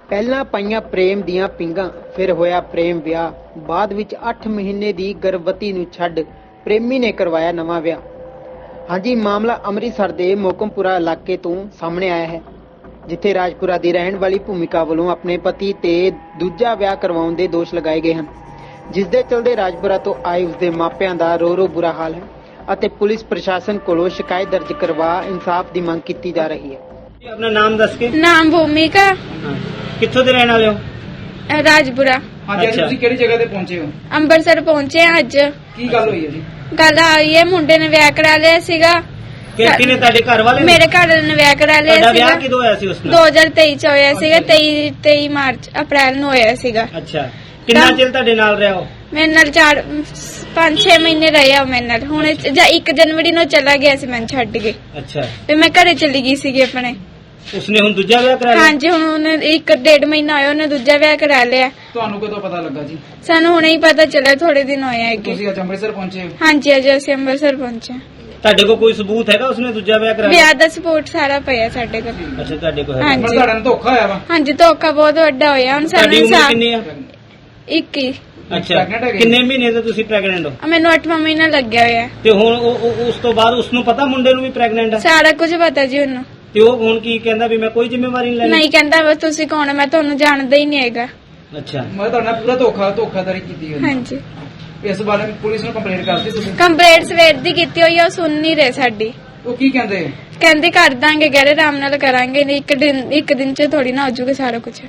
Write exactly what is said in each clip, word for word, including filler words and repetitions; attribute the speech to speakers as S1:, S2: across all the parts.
S1: ਪਹਿਲਾਂ ਪਾਈਆਂ ਪ੍ਰੇਮ ਦੀਆਂ ਪਿੰਗਾਂ, ਫਿਰ ਹੋਇਆ ਪ੍ਰੇਮ ਵਿਆਹ। ਬਾਅਦ ਵਿੱਚ ਅੱਠ ਮਹੀਨੇ ਦੀ ਗਰਭਵਤੀ ਨੂੰ ਛੱਡ ਪ੍ਰੇਮੀ ਨੇ ਕਰਵਾਇਆ ਨਵਾਂ ਵਿਆਹ। ਹਾਂਜੀ, ਮਾਮਲਾ ਅੰਮ੍ਰਿਤਸਰ ਦੇ ਮੋਕਮਪੁਰਾ ਇਲਾਕੇ ਤੋਂ ਸਾਹਮਣੇ ਆਇਆ ਹੈ, ਜਿੱਥੇ ਰਾਜਪੁਰਾ ਦੀ ਰਹਿਣ ਵਾਲੀ ਭੂਮਿਕਾ ਵੱਲੋਂ ਆਪਣੇ ਪਤੀ ਤੇ ਦੂਜਾ ਵਿਆਹ ਕਰਵਾਉਣ ਦੇ ਦੋਸ਼ ਲਗਾਏ ਗਏ ਹਨ, ਜਿਸ ਦੇ ਚਲਦੇ ਰਾਜਪੁਰਾ ਤੋਂ ਆਏ ਉਸਦੇ ਮਾਪਿਆਂ ਦਾ ਰੋ ਰੋ ਬੁਰਾ ਹਾਲ ਹੈ ਅਤੇ ਪੁਲਿਸ ਪ੍ਰਸ਼ਾਸਨ ਕੋਲੋਂ ਸ਼ਿਕਾਇਤ ਦਰਜ ਕਰਵਾ ਇਨਸਾਫ ਦੀ ਮੰਗ ਕੀਤੀ ਜਾ ਰਹੀ ਹੈ।
S2: अपना नाम दस के
S3: नाम भूमिका
S2: कित्थों दे रहने वाले हो?
S3: राजपुरा।
S4: हाँ जी,
S2: अच्छा।
S4: ਤੁਸੀਂ ਕਿਹੜੀ ਜਗ੍ਹਾ ਤੇ ਪਹੁੰਚੇ ਹੋ?
S3: ਅੰਮ੍ਰਿਤਸਰ ਪਹੁੰਚੇ ਹਾਂ ਅੱਜ।
S4: ਕੀ ਗੱਲ ਹੋਈ ਹੈ ਜੀ?
S3: ਗੱਲ ਆਈ ਹੈ, ਮੁੰਡੇ ਨੇ ਵਿਆਹ ਕਰਾ ਲਿਆ ਸੀਗਾ।
S2: ਕਿ ਕਿਨੇ ਤੁਹਾਡੇ ਘਰ ਵਾਲੇ ਨੇ?
S3: ਮੇਰੇ ਘਰ ਵਾਲੇ ਨੇ ਵਿਆਹ ਕਰਾ ਲਿਆ
S2: ਤੁਹਾਡਾ
S3: ਸੀਗਾ।
S2: ਵਿਆਹ ਕਿਦੋਂ ਹੋਇਆ ਸੀ ਉਸ ਨਾਲ?
S3: ਦੋ ਹਜ਼ਾਰ ਤੇਈ ਚ ਹੋਇਆ ਸੀਗਾ। ਤੇਈ ਤੇਈ ਮਾਰਚ ਅਪ੍ਰੈਲ ਨੂੰ ਹੋਇਆ ਸੀਗਾ।
S2: ਅੱਛਾ, ਕਿੰਨਾ ਚਿਰ ਤੁਹਾਡੇ ਨਾਲ ਰਿਹਾ ਹੋ?
S3: ਮੇਰੇ ਨਾਲ ਚਾਰ ਪੰਜ ਛੇ ਮਹੀਨੇ ਰਹੇ ਆ ਮੇਰੇ ਨਾਲ। ਹੁਣ ਜਾਂ ਇੱਕ ਜਨਵਰੀ ਨੂੰ ਚਲਾ ਗਿਆ ਸੀ, ਮੈਨੂੰ ਛੱਡ ਕੇ।
S2: ਅੱਛਾ,
S3: ਤੇ ਮੈਂ ਘਰੇ ਚਲੀ ਗਈ ਸੀਗੀ ਆਪਣੇ।
S2: ਉਸਨੇ ਹੁਣ ਦੂਜਾ ਵਿਆਹ ਕਰਾ ਲਿਆ?
S3: ਹਾਂਜੀ, ਹੁਣ ਉਹਨੇ ਇੱਕ ਡੇਢ ਮਹੀਨਾ ਹੋਇਆ, ਉਹਨੇ ਦੂਜਾ ਵਿਆਹ ਕਰਾ ਲਿਆ।
S4: ਤੁਹਾਨੂੰ ਕਦੋਂ ਪਤਾ ਲੱਗਾ ਜੀ?
S3: ਸਾਨੂੰ ਹੁਣੇ ਹੀ ਪਤਾ ਚੱਲਿਆ, ਥੋੜੇ ਦਿਨ ਹੋਏ ਆ ਅੱਗੇ।
S4: ਤੁਸੀਂ ਅੱਜ ਅੰਮ੍ਰਿਤਸਰ ਪਹੁੰਚੇ ਹੋ?
S3: ਹਾਂਜੀ, ਅੱਜ ਅਸੀਂ ਅੰਮ੍ਰਿਤਸਰ ਪਹੁੰਚੇ।
S2: ਤੁਹਾਡੇ ਕੋਲ ਕੋਈ ਸਬੂਤ ਹੈਗਾ ਉਸਨੇ ਦੂਜਾ ਵਿਆਹ ਕਰਾ ਲਿਆ?
S3: ਵਿਆਹ ਦਾ ਸਪੋਰਟ ਸਾਰਾ ਪਿਆ ਸਾਡੇ ਕੋਲ।
S2: ਅੱਛਾ, ਤੁਹਾਡੇ ਕੋਲ ਹੈਗਾ।
S3: ਹਾਂਜੀ।
S4: ਪਰ ਤੁਹਾਡਾ ਨਾਲ ਧੋਖਾ ਹੋਇਆ ਵਾ?
S3: ਹਾਂਜੀ, ਧੋਖਾ ਬਹੁਤ ਵੱਡਾ ਹੋਇਆ। ਹੁਣ ਸਾਨੂੰ
S2: ਤੁਹਾਡੀ ਉਮਰ
S3: ਇਨਸਾਫ।
S2: ਕਿੰਨੀ ਆ?
S3: ਇੱਕੀ।
S2: ਅੱਛਾ,
S4: Pregnant ਹੈਗੇ?
S2: ਕਿੰਨੇ ਮਹੀਨੇ ਤੋਂ ਤੁਸੀਂ ਪ੍ਰੈਗਨੈਂਟ ਹੋ?
S3: ਮੈਨੂੰ ਅੱਠਵਾਂ ਮਹੀਨਾ ਲੱਗਿਆ ਹੋਇਆ।
S2: ਤੇ ਹੁਣ ਉਹ- ਉਹ- ਉਸ ਤੋਂ ਬਾਅਦ ਉਸਨੂੰ ਪਤਾ ਮੁੰਡੇ ਨੂੰ ਵੀ ਪ੍ਰੈਗਨੈਂਟ ਆ?
S3: ਸਾਰਾ ਕੁਝ ਪਤਾ ਜੀ ਉਹਨੂੰ।
S2: ਤੇ ਉਹ ਹੁਣ ਕੀ ਕਹਿੰਦਾ ਵੀ ਮੈਂ ਕੋਈ ਜ਼ਿੰਮੇਵਾਰੀ ਨਹੀਂ ਲੈਣੀ?
S3: ਨਹੀਂ ਕਹਿੰਦਾ ਵਾ ਤੁਸੀਂ ਕੌਣ ਆ, ਮੈਂ ਤੁਹਾਨੂੰ ਜਾਣਦਾ ਹੀ ਨਹੀਂ ਹੈਗਾ।
S2: ਅੱਛਾ,
S4: ਮੈਂ ਤੁਹਾਡੇ ਨਾਲ ਪੂਰਾ ਧੋਖਾ ਧੋਖਾਧੜੀ ਕੀਤੀ ਹੈ।
S3: ਹਾਂਜੀ,
S4: ਇਸ ਬਾਰੇ ਪੁਲਿਸ ਨੂੰ ਕੰਪਲੇਂਟ ਕਰਤੀ ਤੁਸੀਂ?
S3: ਕੰਪਲੇਂਟ ਸਵੇਰ ਦੀ ਕੀਤੀ ਹੋਈ ਆ, ਉਹ ਸੁਣ ਨਹੀਂ ਰਹੇ ਸਾਡੀ।
S4: ਉਹ ਕੀ ਕਹਿੰਦੇ?
S3: ਕਹਿੰਦੇ ਕਰ ਦਾਂਗੇ, ਗਹਿਰੇ ਆਰਾਮ ਨਾਲ ਕਰਾਂਗੇ, ਨਹੀਂ ਇੱਕ ਦਿਨ ਇੱਕ ਦਿਨ ਚ ਥੋੜੀ ਨਾ ਹੋ ਜਾਊਗਾ ਸਾਰਾ ਕੁਝ।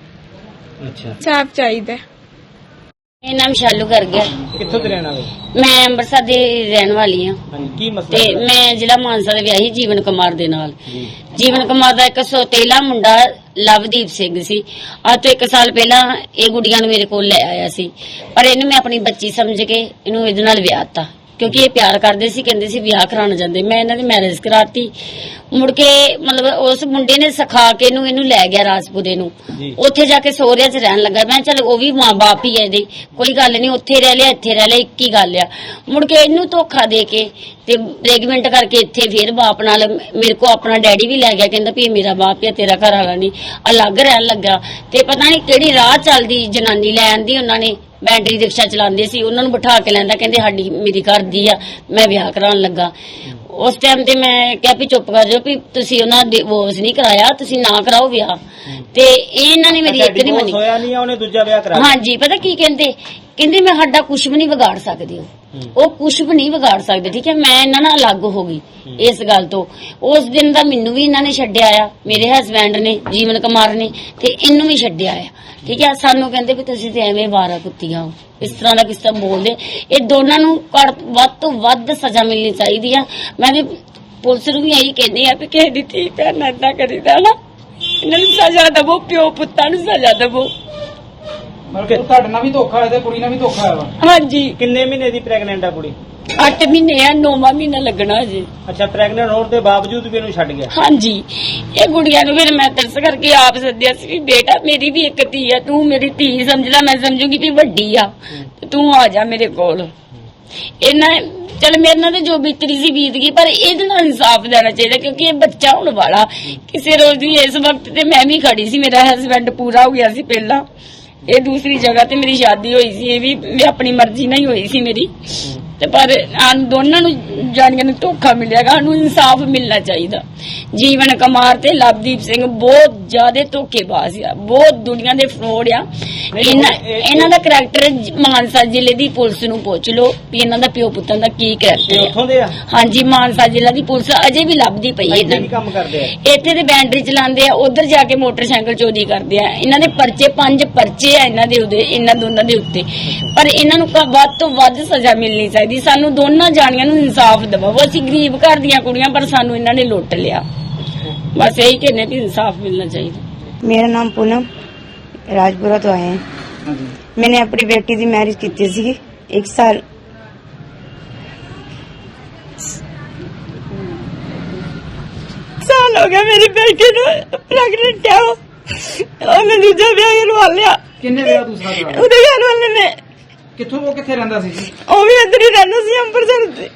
S2: ਅੱਛਾ।
S3: ਸਾਫ ਚਾਹੀਦਾ।
S5: ਮੇਰਾ ਨਾਮ ਸ਼ਾਲੂ ਕਰ ਗਿਆ।
S2: ਕਿੱਥੋਂ ਦੇ ਰਹਿਣ ਵਾਲੇ?
S5: ਮੈਂ ਅੰਮ੍ਰਿਤਸਰ ਦੀ ਰਹਿਣ ਵਾਲੀ ਹਾਂ
S2: ਹਾਂਜੀ, ਕੀ ਮਸਲਾ
S5: ਤੇ
S2: ਹੈ?
S5: ਮੈਂ ਜ਼ਿਲ੍ਹਾ ਮਾਨਸਾ ਦੇ ਵਿਆਹੀ ਜੀਵਨ ਕੁਮਾਰ ਦੇ ਨਾਲ।
S2: ਜੀ।
S5: ਜੀਵਨ ਕੁਮਾਰ ਦਾ ਇੱਕ ਸੌਤੇਲਾ ਮੁੰਡਾ ਲਵਦੀਪ ਸਿੰਘ ਸੀ। ਅੱਜ ਤੋਂ ਇੱਕ ਸਾਲ ਪਹਿਲਾਂ ਇਹ ਗੁੱਡੀਆਂ ਨੂੰ ਮੇਰੇ ਕੋਲ ਲੈ ਆਇਆ ਸੀ, ਪਰ ਇਹਨੂੰ ਮੈਂ ਆਪਣੀ ਬੱਚੀ ਸਮਝ ਕੇ ਇਹਨੂੰ ਇਹਦੇ ਨਾਲ ਵਿਆਹ ਤਾ, ਕਿਉਂਕਿ ਇਹ ਪਿਆਰ ਕਰਦੇ ਸੀ। ਕਹਿੰਦੇ ਸੀ ਵਿਆਹ ਕਰਾਉਣ ਜਾਂਦੇ। ਮੈਂ ਇਹਨਾਂ ਦੀ ਮੈਰਿਜ ਕਰਾਤੀ। ਮੁੜ ਕੇ ਮਤਲਬ ਉਸ ਮੁੰਡੇ ਨੇ ਸਿਖਾ ਕੇ ਇਹਨੂੰ ਇਹਨੂੰ ਲੈ ਗਿਆ ਰਾਜਪੁਰੇ ਨੂੰ।
S2: ਜੀ।
S5: ਉੱਥੇ ਜਾ ਕੇ ਸਹੁਰਿਆਂ 'ਚ ਰਹਿਣ ਲੱਗਾ। ਮੈਂ ਚਲ ਉਹ ਵੀ ਮਾਂ ਬਾਪ ਹੀ ਹੈ ਇਹਦੇ, ਕੋਈ ਗੱਲ ਨਹੀਂ, ਉੱਥੇ ਰਹਿ ਲਿਆ ਇੱਥੇ ਰਹਿ ਲਿਆ, ਇੱਕ ਹੀ ਗੱਲ ਆ। ਮੁੜ ਕੇ ਇਹਨੂੰ ਧੋਖਾ ਦੇ ਕੇ ਤੇ ਪ੍ਰੈਗਨੈਂਟ ਕਰਕੇ ਇੱਥੇ ਫੇਰ ਬਾਪ ਨਾਲ ਮੇਰੇ ਕੋ ਆਪਣਾ ਡੈਡੀ ਵੀ ਲੈ ਗਿਆ। ਕਹਿੰਦਾ ਵੀ ਇਹ ਮੇਰਾ ਬਾਪ ਹੈ, ਤੇਰਾ ਘਰ ਵਾਲਾ ਨਹੀਂ। ਅਲੱਗ ਰਹਿਣ ਲੱਗਾ ਤੇ ਪਤਾ ਨਹੀਂ ਕਿਹੜੀ ਰਾਹ ਚੱਲਦੀ ਜਨਾਨੀ ਲੈ ਆਂਦੀ ਉਹਨਾਂ ਨੇ। ਬੈਟਰੀ ਰਿਕਸ਼ਾ ਚਲਾਉਂਦੇ ਸੀ, ਉਹਨਾਂ ਨੂੰ ਬਿਠਾ ਕੇ ਲੈਂਦਾ। ਕਹਿੰਦੇ ਸਾਡੀ ਮੇਰੀ ਘਰ ਦੀ ਆ, ਮੈਂ ਵਿਆਹ ਕਰਾਉਣ ਲੱਗਾ। ਉਸ ਟਾਈਮ ਤੇ ਮੈਂ ਕਿਹਾ ਵੀ ਚੁੱਪ ਕਰ ਜਾਓ, ਵੀ ਤੁਸੀਂ ਉਹਨਾਂ ਡਿਵੋਰਸ ਨਹੀਂ ਕਰਾਇਆ, ਤੁਸੀਂ ਨਾ ਕਰਾਓ ਵਿਆਹ। ਤੇ ਇਹਨਾਂ ਨੇ ਮੇਰੀ ਇੱਕ ਨਹੀਂ ਮੰਨੀ।
S2: ਹੋਇਆ ਨਹੀਂ ਆ, ਉਹਨੇ ਦੂਜਾ ਵਿਆਹ ਕਰਾ ਲਿਆ?
S5: ਹਾਂਜੀ, ਪਤਾ ਕੀ ਕਹਿੰਦੇ? ਕਹਿੰਦੇ ਮੈਂ ਸਾਡਾ ਕੁਝ ਵੀ ਨਹੀਂ ਵਿਗਾੜ ਸਕਦੇ। ਉਹ ਉਹ ਕੁਝ ਵੀ ਨਹੀਂ ਵਿਗਾੜ ਸਕਦੇ। ਠੀਕ ਹੈ, ਮੈਂ ਇਹਨਾਂ ਨਾਲ ਅਲੱਗ ਹੋ ਗਈ ਇਸ ਗੱਲ ਤੋਂ। ਉਸ ਦਿਨ ਦਾ ਮੈਨੂੰ ਵੀ ਇਹਨਾਂ ਨੇ ਛੱਡਿਆ ਆ, ਮੇਰੇ ਹਸਬੈਂਡ ਨੇ ਜੀਵਨ ਕੁਮਾਰ ਨੇ, ਤੇ ਇਹਨੂੰ ਵੀ ਛੱਡਿਆ ਆ। ਠੀਕ ਹੈ, ਸਾਨੂੰ ਕਹਿੰਦੇ ਵੀ ਤੁਸੀਂ ਤੇ ਐਵੇਂ ਵਾਰਾ ਕੁੱਤੀਆਂ ਹੋ, ਇਸ ਤਰ੍ਹਾਂ ਦਾ ਕਿਸ ਤਰ੍ਹਾਂ ਬੋਲਦੇ। ਇਹ ਦੋਨਾਂ ਨੂੰ ਵੱਧ ਤੋਂ ਵੱਧ ਸਜ਼ਾ ਮਿਲਣੀ ਚਾਹੀਦੀ ਆ। ਮੈਂ ਵੀ ਪੁਲਿਸ ਨੂੰ ਵੀ ਇਹੀ ਕਹਿੰਦੀ ਆ ਵੀ ਕਿਸੇ ਦੀ ਧੀ ਭੈਣ ਨਾਲ ਏਦਾਂ ਕਰੀਦਾ ਨਾ, ਇਹਨਾਂ ਨੂੰ ਸਜ਼ਾ ਦੇਵੋ, ਪਿਓ ਪੁੱਤਾਂ ਨੂੰ ਸਜ਼ਾ ਦੇਵੋ।
S4: ਮਤਲਬ ਤੁਹਾਡੇ ਨਾਲ ਵੀ ਧੋਖਾ ਹੋਇਆ ਤੇ ਕੁੜੀ ਨਾਲ ਵੀ ਧੋਖਾ ਹੋਇਆ ਵਾ?
S5: ਹਾਂਜੀ,
S2: ਕਿੰਨੇ ਮਹੀਨੇ ਦੀ ਪ੍ਰੈਗਨੈਂਟ ਆ ਕੁੜੀ?
S5: ਅੱਠ ਮਹੀਨੇ ਆ, ਨੌਵਾਂ ਮਹੀਨਾ ਲੱਗਣਾ ਜੀ।
S2: ਅੱਛਾ, ਪ੍ਰੈਗਨੈਂਟ ਹੋਣ ਦੇ ਬਾਵਜੂਦ ਵੀ ਇਹਨੂੰ ਛੱਡ ਗਿਆ?
S5: ਹਾਂਜੀ, ਇਹ ਗੁੜੀਆਂ ਨੂੰ ਫਿਰ ਮੈਂ ਤਰਸ ਕਰਕੇ ਆਪ ਸੱਦਿਆ ਸੀ ਵੀ ਬੇਟਾ ਮੇਰੀ ਵੀ ਇੱਕ ਧੀ ਆ, ਤੂੰ ਮੇਰੀ ਧੀ ਸਮਝ ਲੈ, ਮੈਂ ਸਮਝੂਗੀ ਵੀ ਵੱਡੀ ਆ, ਤੂੰ ਆ ਜਾ ਮੇਰੇ ਕੋਲ। ਇਹਨਾਂ ਚਲ ਮੇਰੇ ਨਾਲ ਜੋ ਬੀਤਰੀ ਸੀ ਬੀਤ ਗਈ, ਪਰ ਇਹਦੇ ਨਾਲ ਇਨਸਾਫ ਦੇਣਾ ਚਾਹੀਦਾ, ਕਿਉਂਕਿ ਇਹ ਬੱਚਾ ਹੋਣ ਵਾਲਾ ਕਿਸੇ ਰੋਜ਼ ਦੀ। ਇਸ ਵਕਤ ਤੇ ਮੈਂ ਵੀ ਖੜੀ ਸੀ, ਮੇਰਾ ਹਸਬੈਂਡ ਪੂਰਾ ਹੋ ਗਿਆ ਸੀ ਪਹਿਲਾਂ। ਇਹ ਦੂਸਰੀ ਜਗ੍ਹਾ ਤੇ ਮੇਰੀ ਸ਼ਾਦੀ ਹੋਈ ਸੀ, ਇਹ ਵੀ ਆਪਣੀ ਮਰਜ਼ੀ ਨਾਲ ਹੀ ਹੋਈ ਸੀ ਮੇਰੀ। ਤੇ ਪਰ ਦੋਨਾਂ ਨੂੰ ਜਾਣੀਆਂ ਨੂੰ ਧੋਖਾ ਮਿਲਿਆਗਾ। ਸਾਨੂੰ ਇਨਸਾਫ ਮਿਲਣਾ ਚਾਹੀਦਾ। ਜੀਵਨ ਕੁਮਾਰ ਤੇ ਲਵਦੀਪ ਸਿੰਘ ਬਹੁਤ ਜ਼ਿਆਦਾ ਧੋਖੇਬਾਜ਼ ਆ, ਬਹੁਤ ਦੁਨੀਆ ਦੇ ਫਰੋਡ ਆ। ਇਹਨਾਂ ਇਹਨਾਂ ਦਾ ਕਰੈਕਟਰ ਮਾਨਸਾ ਜ਼ਿਲ੍ਹੇ ਦੀ ਪੁਲਿਸ ਨੂੰ ਪੁੱਛ ਲਓ ਵੀ ਇਹਨਾਂ ਦਾ ਪਿਓ ਪੁੱਤਾਂ ਦਾ ਕੀ ਕਰੈਕਟਰ
S2: ਉੱਥੋਂ
S5: ਹੈ।
S2: ਦੇ ਆ?
S5: ਹਾਂਜੀ, ਮਾਨਸਾ ਜ਼ਿਲ੍ਹਾ ਦੀ ਪੁਲਿਸ ਅਜੇ ਵੀ ਲੱਭਦੀ ਪਈ ਹੈ ਇਹਨਾਂ
S2: ਕੀ ਕੰਮ ਕਰਦੇ ਆ?
S5: ਨੂੰ। ਇੱਥੇ ਤੇ ਬੈਟਰੀ ਚਲਾਉਂਦੇ ਆ, ਉਧਰ ਜਾ ਕੇ ਮੋਟਰਸਾਈਕਲ ਚੋਰੀ ਕਰਦੇ ਆ। ਇਹਨਾਂ ਦੇ ਪਰਚੇ ਪੰਜ ਪਰਚੇ ਆ ਇਹਨਾਂ ਦੇ ਉਹਦੇ ਇਹਨਾਂ ਦੋਨਾਂ ਦੇ ਉੱਤੇ, ਪਰ ਇਹਨਾਂ ਨੂੰ ਵੱਧ ਤੋਂ ਵੱਧ ਸਜ਼ਾ ਮਿਲਣੀ ਚਾਹੀਦੀ। ਸਾਨੂੰ ਦੋਨਾਂ ਜਾਣੀਆਂ ਨੂੰ ਇਨਸਾਫ ਦਿਵਾਓ। ਅਸੀਂ ਗਰੀਬ ਘਰ ਦੀਆਂ ਕੁੜੀਆਂ, ਪਰ ਸਾਨੂੰ ਇਹਨਾਂ ਨੇ ਲੁੱਟ ਲਿਆ। ਬਸ ਇਹੀ ਕਹਿੰਦੇ ਵੀ ਇਨਸਾਫ ਮਿਲਣਾ ਚਾਹੀਦਾ।
S6: मेरा नाम पूनम, राजपुरा तो आए हैं। मैंने अपनी बेटी की मैरिज की थी एक साल साल हो गया मेरी बेटी ने प्रेगनेंट है। और मैं दूसरा ब्याह करवा लिया।
S4: ਕਿੰਨੇ ਵਿਆਹ ਦੂਸਰਾ ਕਰਾਇਆ?
S6: ਉਹਦੇ ਘਰ ਵਾਲੇ ਨੇ।
S4: ਕਿੱਥੋਂ ਉਹ ਕਿੱਥੇ ਰਹਿੰਦਾ ਸੀ ਜੀ?
S6: ਉਹ ਵੀ ਇੱਧਰ ਹੀ ਰਹਿੰਦਾ ਸੀ, ਅੰਮ੍ਰਿਤਸਰ ਦੇ।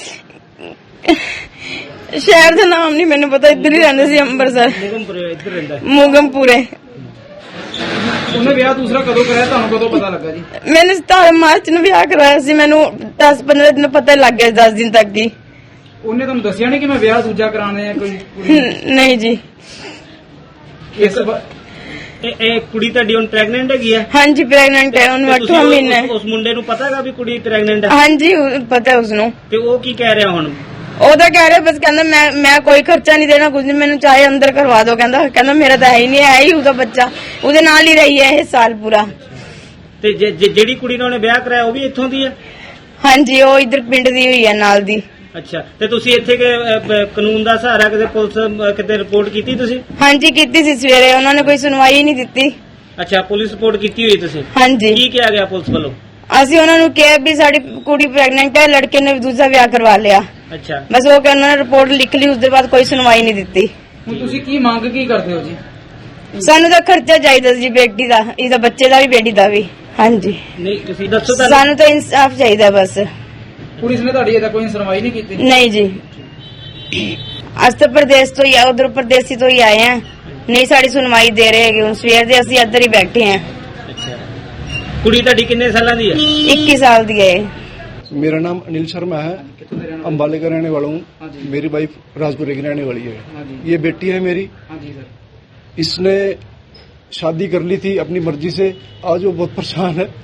S6: ਸ਼ਹਿਰ ਦਾ ਨਾਮ ਨਹੀਂ ਮੈਨੂੰ ਪਤਾ, ਇੱਧਰ ਹੀ ਰਹਿੰਦਾ ਸੀ ਅੰਮ੍ਰਿਤਸਰ,
S2: ਮੁਗਮਪੁਰੇ ਇੱਧਰ ਰਹਿੰਦਾ ਹੈ।
S6: ਮੋਗਮਪੁਰੇ।
S4: ਉਹਨੇ ਵਿਆਹ ਦੂਸਰਾ ਕਦੋਂ ਕਰਾਇਆ, ਤੁਹਾਨੂੰ ਕਦੋਂ ਪਤਾ ਲੱਗਾ ਜੀ?
S6: मैंने सतारह मार्च ਨੂੰ ਵਿਆਹ ਕਰਵਾਇਆ ਸੀ। ਮੈਨੂੰ दस पंद्रह ਦਿਨ ਪਤਾ ਲੱਗ ਗਿਆ, दस ਦਿਨ ਤੱਕ ਦੀ।
S4: ਉਹਨੇ ਤੁਹਾਨੂੰ ਦੱਸਿਆ ਨਹੀਂ ਕਿ ਮੈਂ ਵਿਆਹ ਦੂਜਾ ਕਰਾਉਣਾ ਹੈ ਕੋਈ ਕੁੜੀ?
S6: ਨਹੀਂ ਜੀ।
S4: ਇਸ ਵਾ-
S2: ਇਹ ਇਹ ਕੁੜੀ ਤੁਹਾਡੀ ਹੁਣ ਪ੍ਰੈਗਨੈਂਟ ਹੈਗੀ ਹੈ?
S6: ਹਾਂਜੀ ਪ੍ਰੈਗਨੈਂਟ ਹੈ, ਉਹਨੂੰ
S2: ਤੇ ਤੁਸੀਂ
S6: ਅੱਠਵਾਂ
S2: ਉਸ-
S6: ਮਹੀਨਾ ਹੈ।
S2: ਉਸ ਮੁੰਡੇ ਨੂੰ ਪਤਾ ਹੈਗਾ ਵੀ ਕੁੜੀ ਪ੍ਰੈਗਨੈਂਟ ਹੈ?
S6: ਹਾਂਜੀ ਉਹ ਪਤਾ ਹੈ ਉਸਨੂੰ।
S2: ਤੇ ਉਹ ਕੀ ਕਹਿ ਰਿਹਾ ਹੁਣ?
S6: ਉਹ ਤਾਂ ਕਹਿ ਰਿਹਾ ਬਸ, ਕਹਿੰਦਾ ਮੈਂ ਮੈਂ ਕੋਈ ਖਰਚਾ ਨਹੀਂ ਦੇਣਾ, ਕੁਝ ਨਹੀਂ, ਮੈਨੂੰ ਚਾਹੇ ਅੰਦਰ ਕਰਵਾ ਦਿਓ। ਕਹਿੰਦਾ ਕਹਿੰਦਾ ਮੇਰਾ ਤਾਂ ਹੈ ਹੀ ਨਹੀਂ, ਹੈ ਹੀ ਉਹਦਾ ਬੱਚਾ, ਉਹਦੇ ਨਾਲ ਹੀ ਰਹੀ ਹੈ ਇਹ ਸਾਲ ਪੂਰਾ।
S2: ਤੇ ਜੇ- ਜੇ- ਜਿਹੜੀ ਕੁੜੀ ਨਾਲ ਉਹਨੇ ਵਿਆਹ ਕਰਾਇਆ ਉਹ ਵੀ ਇੱਥੋਂ ਦੀ ਹੈ?
S6: ਹਾਂਜੀ ਉਹ ਇਧਰ ਪਿੰਡ ਦੀ ਹੋਈ ਹੈ, ਨਾਲ ਦੀ।
S2: ਅੱਛਾ, ਤੇ ਤੁਸੀਂ ਇੱਥੇ ਕਿ ਅ, ਬ- ਕਾਨੂੰਨ ਦਾ ਸਹਾਰਾ ਕਿਤੇ ਪੁਲਿਸ ਅ, ਕਿਤੇ ਰਿਪੋਰਟ ਕੀਤੀ ਤੁਸੀਂ?
S6: ਹਾਂਜੀ ਕੀਤੀ ਸੀ ਸਵੇਰੇ, ਉਹਨਾਂ ਨੇ ਕੋਈ ਸੁਣਵਾਈ ਨਹੀਂ ਦਿੱਤੀ।
S2: ਅੱਛਾ, ਪੁਲਿਸ ਰਿਪੋਰਟ ਕੀਤੀ ਹੋਈ ਤੁਸੀਂ?
S6: ਹਾਂਜੀ
S2: ਕੀ ਕਿਹਾ ਗਿਆ ਪੁਲਿਸ ਵੱਲੋਂ?
S6: ਅਸੀਂ ਉਹਨਾਂ ਨੂੰ ਕਿਹਾ ਵੀ ਸਾਡੀ ਕੁੜੀ ਪ੍ਰੈਗਨੈਂਟ ਹੈ, ਲੜਕੇ ਨੇ ਦੂਜਾ ਵਿਆਹ ਕਰਵਾ ਲਿਆ।
S2: ਅੱਛਾ,
S6: ਬਸ ਉਹ ਕਿ ਉਹਨਾਂ ਨੇ ਰਿਪੋਰਟ ਲਿਖ ਲਈ, ਉਸ ਦੇ ਬਾਅਦ ਕੋਈ ਸੁਣਵਾਈ ਨਹੀਂ ਦਿੱਤੀ।
S4: ਹੁਣ ਤੁਸੀਂ ਕੀ ਮੰਗ ਕੀ ਕਰਦੇ ਹੋ ਜੀ?
S6: ਸਾਨੂੰ ਤਾਂ ਖਰਚਾ ਚਾਹੀਦਾ ਸੀ ਬੇਟੀ ਦਾ, ਇਹਦਾ ਬੱਚੇ ਦਾ ਵੀ ਬੇਟੀ ਦਾ ਵੀ। ਹਾਂਜੀ
S2: ਨਹੀਂ ਤੁਸੀਂ ਦੱਸੋ ਤੁਹਾਨੂੰ।
S6: ਸਾਨੂੰ ਤਾਂ ਇਨਸਾਫ ਚਾਹੀਦਾ ਬਸ।
S4: ਪੁਲਿਸ ਨੇ ਤੁਹਾਡੀ ਇਹਦਾ ਕੋਈ ਸੁਣਵਾਈ ਨਹੀਂ ਕੀਤੀ?
S6: ਨਹੀਂ ਜੀ, ਅੱਜ ਤਾਂ ਪ੍ਰਦੇਸ਼ ਤੋਂ ਹੀ ਆ, ਉਧਰ ਪ੍ਰਦੇਸੀ ਤੋਂ ਹੀ ਆਏ ਆ, ਨਹੀਂ ਸਾਡੀ ਸੁਣਵਾਈ ਦੇ ਰਹੇ ਹੈਗੇ। ਹੁਣ ਸਵੇਰ ਦੇ ਅਸੀਂ ਇੱਧਰ ਹੀ ਬੈਠੇ ਆ।
S2: ਅੱਛਾ, ਕੁੜੀ ਤੁਹਾਡੀ ਕਿੰਨੇ ਸਾਲਾਂ ਦੀ ਹੈ?
S6: इक्कीस साल की है।
S7: मेरा नाम अनिल शर्मा है,
S4: ਕਿੱਥੋਂ ਦੇ ਰਹਿਣ ਵਾਲੇ?
S7: अम्बाले का रहने वाला हूँ।
S4: हाँ जी।
S7: मेरी वाइफ राजपुरे की रहने वाली है।
S4: हाँ जी।
S7: ये बेटी है मेरी।
S4: हाँ जी सर।
S7: इसने शादी कर ली थी अपनी मर्जी से, आज वो बहुत परेशान है।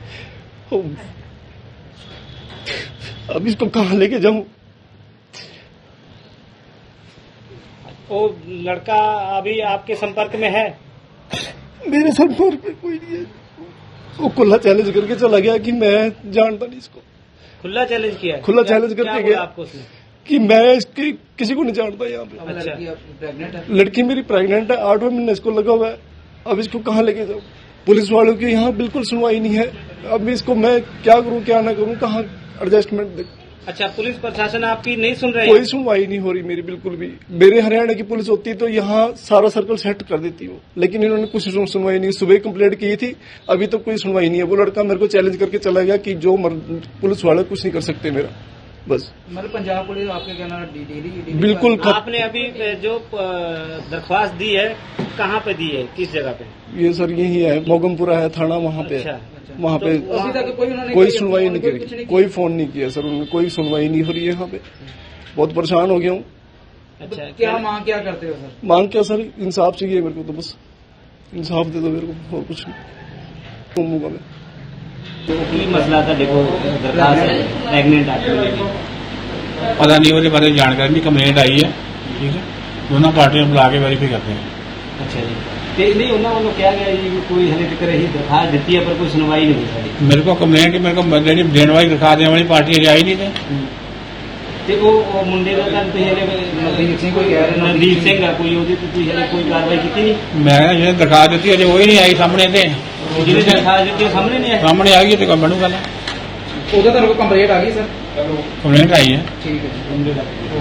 S7: अब इसको कहाँ लेके जाऊं?
S2: वो लड़का अभी आपके संपर्क में है?
S7: मेरे संपर्क में कोई नहीं है। वो खुला चैलेंज करके चला गया कि मैं जानता नहीं इसको।
S2: खुला चैलेंज किया है?
S7: खुला
S2: क्या-
S7: चैलेंज
S2: क्या
S7: करके
S2: बोला
S7: गया
S2: आपको उसने?
S7: कि मैं इसकी किसी को नहीं जानता यहाँ पे।
S4: अब
S2: अच्छा।
S4: लड़की आपकी प्रेग्नेंट है?
S7: लड़की मेरी प्रेग्नेंट है, आठवें महीने इसको लगा हुआ है। अब इसको कहाँ लेके जाऊँ? पुलिस वालों की यहाँ बिल्कुल सुनवाई नहीं है। अब इसको मैं क्या करूँ क्या ना करूँ, कहाँ एडजस्टमेंट दे?
S2: अच्छा, पुलिस प्रशासन आपकी नहीं सुन रही
S7: कोई
S2: है?
S7: सुनवाई नहीं हो रही मेरी बिल्कुल भी। मेरे हरियाणा की पुलिस होती तो यहाँ सारा सर्कल सेट कर देती वो, लेकिन इन्होंने कुछ सुन- सुनवाई नहीं। सुबह कंप्लेंट की थी, अभी तो कोई सुनवाई नहीं है। वो लड़का मेरे को चैलेंज करके चला गया कि जो मर, पुलिस वाले कुछ नहीं कर सकते मेरा, बस।
S4: मतलब पंजाब पुलिस आपके कहना डेली
S7: बिल्कुल खत-
S2: आपने अभी जो अ, दरख्वास्त दी है कहाँ पे दी है, किस जगह पे?
S7: ये सर यही है, मोगमपुरा है थाना, वहाँ पे
S2: अच्छा,
S7: वहाँ पे
S2: तो
S4: अभी तक कोई उन्होंने
S7: कोई
S4: कोई-
S7: सुनवाई नहीं
S4: कोई कुछ
S7: करी,
S4: नहीं
S7: कोई फोन नहीं किया सर उन्होंने, कोई सुनवाई नहीं हो रही है यहाँ पे। बहुत परेशान हो गया हूँ।
S2: अच्छा,
S4: क्या मांग क्या करते हो सर?
S7: मांग क्या सर, इंसाफ चाहिए मेरे को, तो बस इंसाफ दे दो मेरे को, और कुछ नहीं घूमूंगा मैं।
S2: ਕੀ ਮਸਲਾ ਤੁਹਾਡੇ ਕੋਲ ਦਰਖਾਸਤ ਹੈ ਪ੍ਰੈਗਨੈਂਟ ਆਦਮੀ ਦੀ?
S8: पता नहीं ਉਹਦੇ ਬਾਰੇ ਜਾਣਕਾਰੀ ਨਹੀਂ, ਕੰਪਲੇਂਟ ਆਈ ਹੈ, ਠੀਕ ਹੈ, ਦੋਨਾਂ ਪਾਰਟੀਆਂ ਨੂੰ ਬੁਲਾ ਕੇ ਵੈਰੀਫਾਈ ਕਰਦੇ ਹਾਂ।
S2: ਅੱਛਾ ਜੀ, ਤੇ ਨਹੀਂ ਉਹਨਾਂ ਵੱਲੋਂ ਕਿਹਾ ਗਿਆ ਜੀ ਕਿ ਕੋਈ ਹਲੇ ਤੱਕ ਇਹੀ ਦਰਖਾਸਤ ਦਿੱਤੀ ਹੈ ਪਰ ਕੋਈ ਸੁਣਵਾਈ ਨਹੀਂ ਹੋਈ ਸਾਡੀ।
S8: ਮੇਰੇ ਕੋਲ ਕੰਪਲੇਂਟ ਮੇਰੇ ਕੋਲ ਜਿਹੜੀ ਦੇਣ ਵਾਲੀ ਦਿਖਾ ਦੇਣ ਵਾਲੀ ਪਾਰਟੀ ਅਜੇ ਆਈ ਨਹੀਂ ਤੇ
S2: ਤੇ ਉਹ ਉਹ ਮੁੰਡੇ ਦਾ ਤਾਂ ਤੁਸੀਂ ਹਲੇ
S4: ਨਵਦੀਪ ਸਿੰਘ ਕੋਈ ਕਹਿ ਰਹੇ
S2: ਨਵਦੀਪ ਸਿੰਘ ਆ ਕੋਈ, ਉਹਦੀ ਤੇ ਤੁਸੀਂ ਹਲੇ ਕੋਈ ਕਾਰਵਾਈ ਕੀਤੀ ਨਹੀਂ?
S8: ਮੈਂ ਕਿਹਾ ਜਿਹਨੇ ਦਿਖਾ ਦਿੱਤੀ ਅਜੇ ਉਹ ਹੀ ਨਹੀਂ ਆਈ ਸਾਹਮਣੇ ਤੇ,
S2: ਜਿਹਨੇ ਦਰਖਾਸਤ ਦਿੱਤੀ ਉਹ ਸਾਹਮਣੇ ਨਹੀਂ ਆਇਆ?
S8: ਸਾਹਮਣੇ ਆ ਗਈ ਤੇ ਕੰਮ ਬਣੂਗਾ ਨਾ।
S4: ਉਹਦਾ ਤੁਹਾਨੂੰ ਕੋਈ ਕੰਪਲੇਂਟ ਆ ਗਈ ਸਰ?
S8: ਕੰਪਲੇਂਟ ਆਈ ਹੈ।
S4: ਠੀਕ ਹੈ ਜੀ।